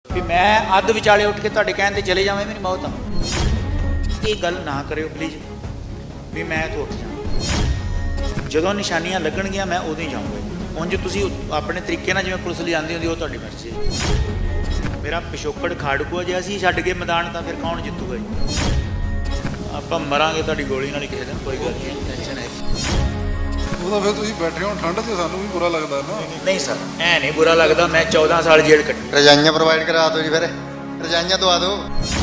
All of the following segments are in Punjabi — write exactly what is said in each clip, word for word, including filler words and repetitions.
ਵੀ ਮੈਂ ਅੱਧ ਵਿਚਾਲੇ ਉੱਠ ਕੇ ਤੁਹਾਡੇ ਕਹਿਣ ਤੇ ਚਲੇ ਜਾਵਾਂ, ਮੇਰੀ ਮੌਤ ਆ। ਇਹ ਗੱਲ ਨਾ ਕਰਿਓ ਪਲੀਜ਼ ਵੀ ਮੈਂ ਇੱਥੋਂ ਉੱਠ ਜਾਵਾਂ। ਜਦੋਂ ਨਿਸ਼ਾਨੀਆਂ ਲੱਗਣਗੀਆਂ ਮੈਂ ਉਦੋਂ ਹੀ ਜਾਊਂਗਾ। ਉਂਝ ਤੁਸੀਂ ਆਪਣੇ ਤਰੀਕੇ ਨਾਲ ਜਿਵੇਂ ਪੁਲਿਸ ਲਈ ਆਉਂਦੀ ਹੁੰਦੀ ਉਹ ਤੁਹਾਡੀ ਮਰਜ਼ੀ ਹੈ। ਮੇਰਾ ਪਿਛੋਕੜ ਖਾੜਕੂਆ ਜੇ ਅਸੀਂ ਛੱਡ ਕੇ ਮੈਦਾਨ ਤਾਂ ਫਿਰ ਕੌਣ ਜਿੱਤੂਗਾ ਜੀ? ਆਪਾਂ ਮਰਾਂਗੇ ਤੁਹਾਡੀ ਗੋਲੀ ਨਾਲ ਹੀ ਕਿਸੇ ਦਿਨ, ਕੋਈ ਗੱਲ ਨਹੀਂ, ਟੈਨਸ਼ਨ ਹੈ। ਉਹ ਤਾਂ ਫਿਰ ਤੁਸੀਂ ਬੈਠੇ ਹੋ ਠੰਡ 'ਚ, ਸਾਨੂੰ ਵੀ ਬੁਰਾ ਲੱਗਦਾ ਨਾ। ਨਹੀਂ ਸਰ, ਐ ਨਹੀਂ ਬੁਰਾ ਲੱਗਦਾ। ਮੈਂ ਚੌਦਾਂ ਸਾਲ ਜੇਲ੍ਹ ਕੱਟੀ। ਰਜਾਈਆਂ ਪ੍ਰੋਵਾਈਡ ਕਰਾ ਦਿਓ ਜੀ, ਫਿਰ ਰਜਾਈਆਂ ਦਵਾ ਦਿਓ।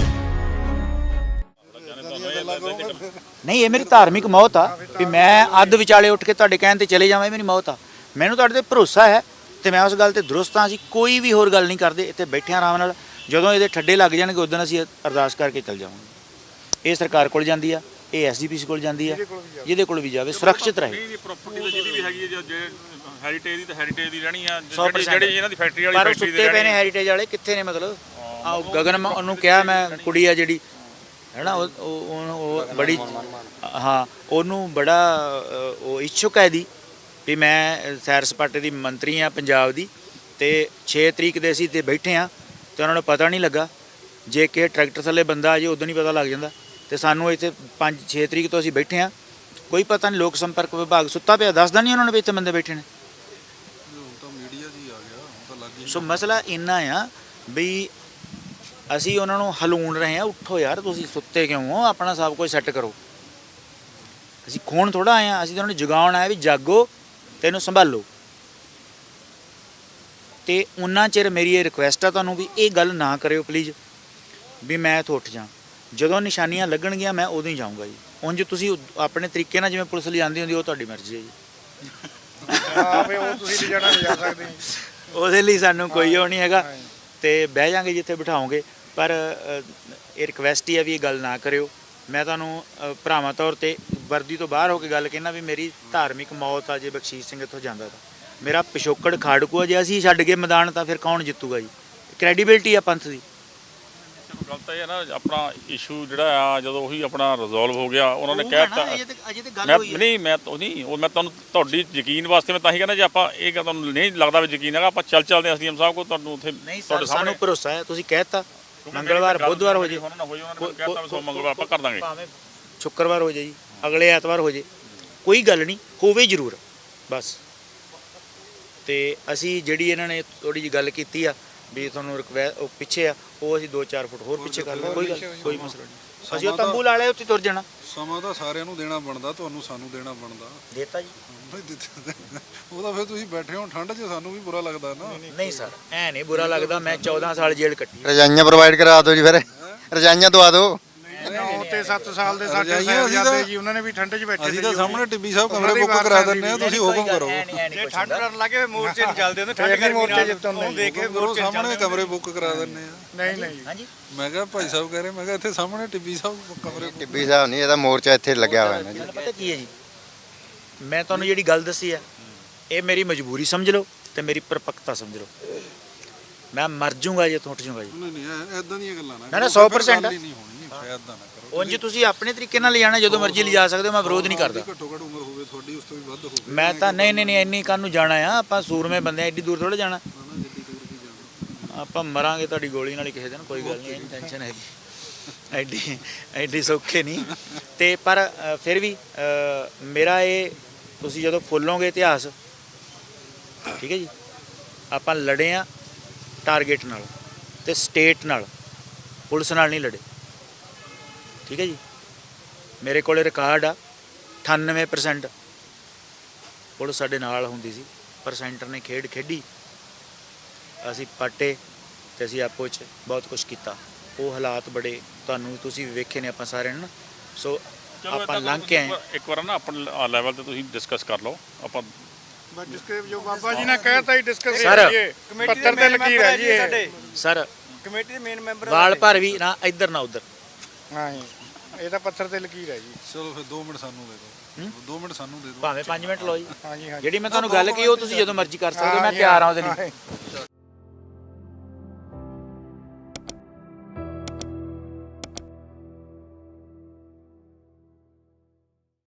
ਨਹੀਂ, ਇਹ ਮੇਰੀ ਧਾਰਮਿਕ ਮੌਤ ਆ ਵੀ ਮੈਂ ਅੱਧ ਵਿਚਾਲੇ ਉੱਠ ਕੇ ਤੁਹਾਡੇ ਕਹਿਣ ਤੇ ਚਲੇ ਜਾਵਾਂ, ਇਹ ਮੇਰੀ ਮੌਤ ਆ। ਮੈਨੂੰ ਤੁਹਾਡੇ ਤੇ ਭਰੋਸਾ ਹੈ ਤੇ ਮੈਂ ਉਸ ਗੱਲ ਤੇ ਦਰੁਸਤ ਹਾਂ। ਅਸੀਂ ਕੋਈ ਵੀ ਹੋਰ ਗੱਲ ਨਹੀਂ ਕਰਦੇ, ਇੱਥੇ ਬੈਠੇ ਆਰਾਮ ਨਾਲ। ਜਦੋਂ ਇਹਦੇ ਠੱਡੇ ਲੱਗ ਜਾਣਗੇ ਉਦੋਂ ਅਸੀਂ ਅਰਦਾਸ ਕਰਕੇ ਚੱਲ ਜਾਵਾਂਗੇ। ਇਹ ਸਰਕਾਰ ਕੋਲ ਜਾਂਦੀ ਆ, ਇਹ ਐਸਜੀਪੀਸੀ ਕੋਲ ਜਾਂਦੀ ਆ, ਜਿਹਦੇ ਕੋਲ ਵੀ ਜਾਵੇ ਸੁਰੱਖਿਅਤ ਰਹੇ। ਪ੍ਰਾਪਰਟੀ ਤਾਂ ਜਿਹਦੀ ਵੀ ਹੈਗੀ ਹੈ, ਜੇ ਹੈਰੀਟੇਜ ਦੀ ਤਾਂ ਹੈਰੀਟੇਜ ਦੀ ਰਹਿਣੀ ਆ, ਜਿਹੜੀ ਇਹਨਾਂ ਦੀ ਫੈਕਟਰੀ ਵਾਲੀ ਪਰ ਫੈਕਟਰੀ ਸੁੱਤੇ ਪਏ ਨੇ ਹੈਰੀਟੇਜ ਵਾਲੇ, ਕਿੱਥੇ ਨੇ? ਮਤਲਬ ਆ ਗਗਨ ਉਹਨੂੰ ਕਿਹਾ, ਮੈਂ ਕੁੜੀ ਆ ਜਿਹੜੀ ਹੈ ਨਾ, ਉਹ ਉਹ ਬੜੀ, ਹਾਂ, ਉਹਨੂੰ ਬੜਾ ਉਹ ਇੱਛੁਕ ਹੈ ਦੀ ਵੀ ਮੈਂ ਸੈਰ ਸਪਾਟੇ ਦੀ ਮੰਤਰੀ ਆ ਪੰਜਾਬ ਦੀ, ਅਤੇ ਛੇ ਤਰੀਕ ਦੇ ਅਸੀਂ ਤੇ ਬੈਠੇ ਹਾਂ ਅਤੇ ਉਹਨਾਂ ਨੂੰ ਪਤਾ ਨਹੀਂ ਲੱਗਾ। ਜੇ ਕਿਸੇ ਟਰੈਕਟਰ ਥੱਲੇ ਬੰਦਾ ਆ ਜੇ ਉਦੋਂ ਨਹੀਂ ਪਤਾ ਲੱਗ ਜਾਂਦਾ। ਅਤੇ ਸਾਨੂੰ ਇੱਥੇ ਪੰਜ ਛੇ ਤਰੀਕ ਤੋਂ ਅਸੀਂ ਬੈਠੇ ਹਾਂ, ਕੋਈ ਪਤਾ ਨਹੀਂ। ਲੋਕ ਸੰਪਰਕ ਵਿਭਾਗ ਸੁੱਤਾ ਪਿਆ, ਦੱਸਦਾ ਨਹੀਂ ਉਹਨਾਂ ਨੂੰ ਵੀ ਇੱਥੇ ਬੰਦੇ ਬੈਠੇ ਨੇ। ਸੋ ਮਸਲਾ ਇੰਨਾ ਆ ਵੀ ਅਸੀਂ ਉਹਨਾਂ ਨੂੰ ਹਲੂਣ ਰਹੇ ਹਾਂ, ਉੱਠੋ ਯਾਰ, ਤੁਸੀਂ ਸੁੱਤੇ ਕਿਉਂ ਹੋ? ਆਪਣਾ ਸਭ ਕੁਝ ਸੈੱਟ ਕਰੋ। ਅਸੀਂ ਖੋਣ ਥੋੜ੍ਹਾ ਆਏ ਹਾਂ, ਅਸੀਂ ਤਾਂ ਉਹਨਾਂ ਨੂੰ ਜਗਾਉਣ ਆਏ ਵੀ ਜਾਗੋ, ਤੈਨੂੰ ਸੰਭਾਲੋ। ਅਤੇ ਉਨਾ ਚਿਰ ਮੇਰੀ ਇਹ ਰਿਕੁਐਸਟ ਆ ਤੁਹਾਨੂੰ ਵੀ ਇਹ ਗੱਲ ਨਾ ਕਰਿਓ ਪਲੀਜ਼ ਵੀ ਮੈਂ ਇੱਥੋਂ ਉੱਠ ਜਾ। ਜਦੋਂ ਨਿਸ਼ਾਨੀਆਂ ਲੱਗਣਗੀਆਂ ਮੈਂ ਉਦੋਂ ਹੀ ਜਾਊਂਗਾ ਜੀ। ਉਂਝ ਤੁਸੀਂ ਆਪਣੇ ਤਰੀਕੇ ਨਾਲ ਜਿਵੇਂ ਪੁਲਿਸ ਲਈ ਆਉਂਦੀ ਹੁੰਦੀ ਉਹ ਤੁਹਾਡੀ ਮਰਜ਼ੀ ਹੈ ਜੀ। ਹਾਂ ਵੀ ਉਹ ਤੁਸੀਂ ਲੈ ਜਾਣਾ ਲਿਜਾ ਸਕਦੇ ਹੋ, ਉਹਦੇ ਲਈ ਸਾਨੂੰ ਕੋਈ ਉਹ ਨਹੀਂ ਹੈਗਾ, ਅਤੇ ਬਹਿ ਜਾਵਾਂਗੇ ਜਿੱਥੇ ਬਿਠਾਓਗੇ। ਪਰ ਇਹ ਰਿਕੁਐਸਟ ਹੀ ਆ ਵੀ ਇਹ ਗੱਲ ਨਾ ਕਰਿਓ। ਮੈਂ ਤੁਹਾਨੂੰ ਭਰਾਵਾਂ ਤੌਰ 'ਤੇ ਵਰਦੀ ਤੋਂ ਬਾਹਰ ਹੋ ਕੇ ਗੱਲ ਕਹਿਣਾ ਵੀ ਮੇਰੀ ਧਾਰਮਿਕ ਮੌਤ ਆ ਜੇ ਬਖਸ਼ੀਸ਼ ਸਿੰਘ ਇੱਥੋਂ ਜਾਂਦਾ ਤਾਂ। ਮੇਰਾ ਪਿਛੋਕੜ ਖਾੜਕੂਆ ਜੇ ਅਸੀਂ ਛੱਡ ਕੇ ਮੈਦਾਨ ਤਾਂ ਫਿਰ ਕੌਣ ਜਿੱਤੂਗਾ ਜੀ? ਕ੍ਰੈਡੀਬਿਲਟੀ ਆ ਪੰਥ ਦੀ। ਗੱਲ ਤਾਂ ਇਹ ਹੈ ਨਾ, ਆਪਣਾ ਇਸ਼ੂ ਜਿਹੜਾ ਆ ਜਦੋਂ ਉਹੀ ਆਪਣਾ ਰਿਜ਼ੋਲਵ ਹੋ ਗਿਆ, ਉਹਨਾਂ ਨੇ ਕਹਿ ਦਿੱਤਾ। ਮੈਂ ਨਹੀਂ ਮੈਂ ਉਹ ਨਹੀਂ ਉਹ ਮੈਂ ਤੁਹਾਨੂੰ ਤੁਹਾਡੀ ਯਕੀਨ ਵਾਸਤੇ ਮੈਂ ਤਾਂ ਹੀ ਕਹਿੰਦਾ, ਜੇ ਆਪਾਂ ਇਹ ਗੱਲ ਤੁਹਾਨੂੰ ਨਹੀਂ ਲੱਗਦਾ ਵੀ ਯਕੀਨ ਹੈਗਾ, ਆਪਾਂ ਚੱਲ ਚੱਲਦੇ ਐਸ ਡੀ ਐਮ ਸਾਹਿਬ ਕੋਲ, ਤੁਹਾਨੂੰ ਉੱਥੇ ਤੁਹਾਡੇ ਸਾਹਮਣੇ ਭਰੋਸਾ ਹੈ। ਤੁਸੀਂ ਕਹਿ ਦਿੱਤਾ ਮੰਗਲਵਾਰ ਬੁੱਧਵਾਰ ਹੋ ਜੇ, ਮੰਗਲਵਾਰ ਆਪਾਂ ਕਰ ਦਾਂਗੇ, ਭਾਵੇਂ ਸ਼ੁੱਕਰਵਾਰ ਹੋ ਜਾਏ ਜੀ, ਅਗਲੇ ਐਤਵਾਰ ਹੋ ਜੇ, ਕੋਈ ਗੱਲ ਨਹੀਂ, ਹੋਵੇ ਜ਼ਰੂਰ ਬਸ। ਅਤੇ ਅਸੀਂ ਜਿਹੜੀ ਇਹਨਾਂ ਨੇ ਥੋੜ੍ਹੀ ਜਿਹੀ ਗੱਲ ਕੀਤੀ ਆ ਵੀ ਤੁਹਾਨੂੰ ਰਿਕਵੈ ਉਹ ਪਿੱਛੇ ਆ, ਉਹ ਅਸੀਂ ਦੋ ਚਾਰ ਫੁੱਟ ਹੋਰ ਪਿੱਛੇ ਕਰ ਲਓ, ਕੋਈ ਗੱਲ ਕੋਈ ਮਸਲਾ ਨਹੀਂ। ਅਸੀਂ ਉਹ ਤੰਬੂ ਲਾ ਲਿਆ, ਉੱਥੇ ਤੁਰ ਜਾਣਾ। ਸਮਾਂ ਤਾਂ ਸਾਰਿਆਂ ਨੂੰ ਦੇਣਾ ਬਣਦਾ, ਤੁਹਾਨੂੰ ਸਾਨੂੰ ਦੇਣਾ ਬਣਦਾ। ਦੇਤਾ ਜੀ। ਉਹ ਤਾਂ ਫਿਰ ਤੁਸੀਂ ਬੈਠੇ ਹੋ ਠੰਡ 'ਚ, ਸਾਨੂੰ ਵੀ ਬੁਰਾ ਲੱਗਦਾ ਨਾ। ਨਹੀਂ ਸਰ, ਐ ਨਹੀਂ ਬੁਰਾ ਲੱਗਦਾ। ਮੈਂ ਚੌਦਾਂ ਸਾਲ ਜੇਲ੍ਹ ਕੱਟੀ। ਰਜਾਈਆਂ ਪ੍ਰੋਵਾਈਡ ਕਰਾ ਦਿਓ ਜੀ, ਫਿਰ ਰਜਾਈਆਂ ਦਵਾ ਦਿਓ। ਨੌ ਤੇ ਸੱਤ ਸਾਲ ਦੇ ਸਾਡੇ ਸਾਹਿਬਜ਼ਾਦੇ ਜੀ, ਉਹਨਾਂ ਨੇ ਵੀ ਠੰਡ 'ਚ ਬੈਠੇ। ਅਸੀਂ ਤਾਂ ਸਾਹਮਣੇ ਟਿੱਬੀ ਸਾਹਿਬ ਕਮਰੇ ਬੁੱਕ ਕਰਾ ਦਿੰਦੇ ਆ, ਤੁਸੀਂ ਹੁਕਮ ਕਰੋ। ਜੇ ਠੰਡ ਕਰਨ ਲੱਗੇ ਮੋਰਚੇ ਨਹੀਂ ਚੱਲਦੇ, ਉਹਨੇ ਠੰਡ ਕਰਕੇ ਮੋਰਚੇ ਜਿੱਤਣ ਦੇਖ ਕੇ ਮੋਰਚੇ ਸਾਹਮਣੇ ਕਮਰੇ ਬੁੱਕ ਕਰਾ ਦਿੰਦੇ ਆ। ਨਹੀਂ ਨਹੀਂ ਹਾਂਜੀ, ਮੈਂ ਕਿਹਾ ਭਾਈ ਸਾਹਿਬ ਕਹਿ ਰਹੇ, ਮੈਂ ਕਿਹਾ ਇੱਥੇ ਸਾਹਮਣੇ ਟਿੱਬੀ ਸਾਹਿਬ ਕਮਰੇ। ਟਿੱਬੀ ਸਾਹਿਬ ਨਹੀਂ, ਇਹਦਾ ਮੋਰਚਾ ਇੱਥੇ ਲੱਗਿਆ ਹੋਇਆ ਨਾ ਜੀ। ਪਤਾ ਕੀ ਹੈ ਜੀ, ਮੈਂ ਤੁਹਾਨੂੰ ਜਿਹੜੀ ਗੱਲ ਦੱਸੀ ਆ, ਇਹ ਮੇਰੀ ਮਜਬੂਰੀ ਸਮਝ ਲਓ ਅਤੇ ਮੇਰੀ ਪਰਪੱਕਤਾ ਸਮਝ ਲਓ। ਮੈਂ ਮਰ ਜੂੰਗਾ ਜੇ ਉੱਠ ਜੂੰਗਾ ਜੀ। ਨਹੀਂ ਨਹੀਂ ਇਦਾਂ ਦੀਆਂ ਗੱਲਾਂ ਨਾ ਨਾ ਸੌ ਪ੍ਰਸੈਂਟ ਨਹੀਂ ਹੋਣੀ, ਇਦਾਂ ਨਾ ਕਰੋ। ਉਂਝ ਤੁਸੀਂ ਆਪਣੇ ਤਰੀਕੇ ਨਾਲ ਲਿਜਾਣਾ, ਜਦੋਂ ਮਰਜ਼ੀ ਲਿਜਾ ਸਕਦੇ ਹੋ, ਮੈਂ ਵਿਰੋਧ ਨਹੀਂ ਕਰਦਾ। ਘੱਟੋ ਘੱਟ ਉਮਰ ਹੋਵੇ ਤੁਹਾਡੀ, ਉਸ ਤੋਂ ਵੀ ਵੱਧ ਹੋਵੇ। ਮੈਂ ਤਾਂ ਨਹੀਂ ਨਹੀਂ ਨਹੀਂ ਇੰਨੀ ਕਾਹਨੂੰ ਜਾਣਾ ਆ, ਆਪਾਂ ਸੂਰਮੇ ਬੰਦੇ ਐਡੀ ਦੂਰ ਥੋੜ੍ਹਾ ਜਾਣਾ। ਆਪਾਂ ਮਰਾਂਗੇ ਤੁਹਾਡੀ ਗੋਲੀ ਨਾਲ ਹੀ ਕਿਸੇ ਦਿਨ, ਕੋਈ ਗੱਲ ਨਹੀਂ, ਟੈਨਸ਼ਨ ਹੈਗੀ। ਐਡੀ ਐਡੀ ਸੌਖੇ ਨਹੀਂ। ਅਤੇ ਪਰ ਫਿਰ ਵੀ ਮੇਰਾ ਇਹ, ਤੁਸੀਂ ਜਦੋਂ ਫੁੱਲੋਗੇ ਇਤਿਹਾਸ, ਠੀਕ ਹੈ ਜੀ, ਆਪਾਂ ਲੜੇ ਹਾਂ ਟਾਰਗੇਟ ਨਾਲ ਅਤੇ ਸਟੇਟ ਨਾਲ, ਪੁਲਿਸ ਨਾਲ ਨਹੀਂ ਲੜੇ, ਠੀਕ ਹੈ ਜੀ। ਮੇਰੇ ਕੋਲ ਰਿਕਾਰਡ ਆ, ਅਠਾਨਵੇਂ ਪਰਸੈਂਟ ਪੁਲਿਸ ਸਾਡੇ ਨਾਲ ਹੁੰਦੀ ਸੀ, ਪਰ ਸੈਂਟਰ ਨੇ ਖੇਡ ਖੇਡੀ, ਅਸੀਂ ਪਾਟੇ ਅਤੇ ਅਸੀਂ ਆਪੋ 'ਚ ਬਹੁਤ ਕੁਛ ਕੀਤਾ। ਉਹ ਹਾਲਾਤ ਬੜੇ ਤੁਹਾਨੂੰ ਤੁਸੀਂ ਵੀ ਵੇਖੇ ਨੇ ਆਪਾਂ ਸਾਰਿਆਂ ਨੇ ਨਾ। ਸੋ ਆਪਾਂ ਲੰਘ ਕੇ ਆਏ। ਇੱਕ ਵਾਰ ਨਾ ਆਪਣੇ ਲੈਵਲ ਤੇ ਤੁਸੀਂ ਡਿਸਕਸ ਕਰ ਲਓ। ਆਪਾਂ ਜੋ ਬਾਬਾ ਜੀ ਨੇ ਕਹਿਤਾ ਹੀ ਡਿਸਕਸ ਸਰ, ਪੱਤਰ ਤੇ ਲਕੀਰ ਹੈ ਜੀ ਸਾਡੇ ਸਰ। ਕਮੇਟੀ ਦੇ ਮੇਨ ਮੈਂਬਰ ਵਾਲ ਭਰ ਵੀ ਨਾ ਇੱਧਰ ਨਾ ਉੱਧਰ। ਹਾਂ ਜੀ, ਇਹ ਤਾਂ ਪੱਤਰ ਤੇ ਲਕੀਰ ਹੈ ਜੀ। ਚਲੋ ਫਿਰ ਦੋ ਮਿੰਟ ਸਾਨੂੰ ਦੇ ਦਿਓ, ਦੋ ਮਿੰਟ ਸਾਨੂੰ ਦੇ ਦਿਓ, ਭਾਵੇਂ ਪੰਜ ਮਿੰਟ ਲਓ ਜੀ। ਹਾਂਜੀ ਹਾਂਜੀ, ਜਿਹੜੀ ਮੈਂ ਤੁਹਾਨੂੰ ਗੱਲ ਕਹੀ ਉਹ ਤੁਸੀਂ ਜਦੋਂ ਮਰਜ਼ੀ ਕਰ ਸਕਦੇ ਹੋ, ਮੈਂ ਤਿਆਰ ਹਾਂ ਉਹਦੇ ਲਈ।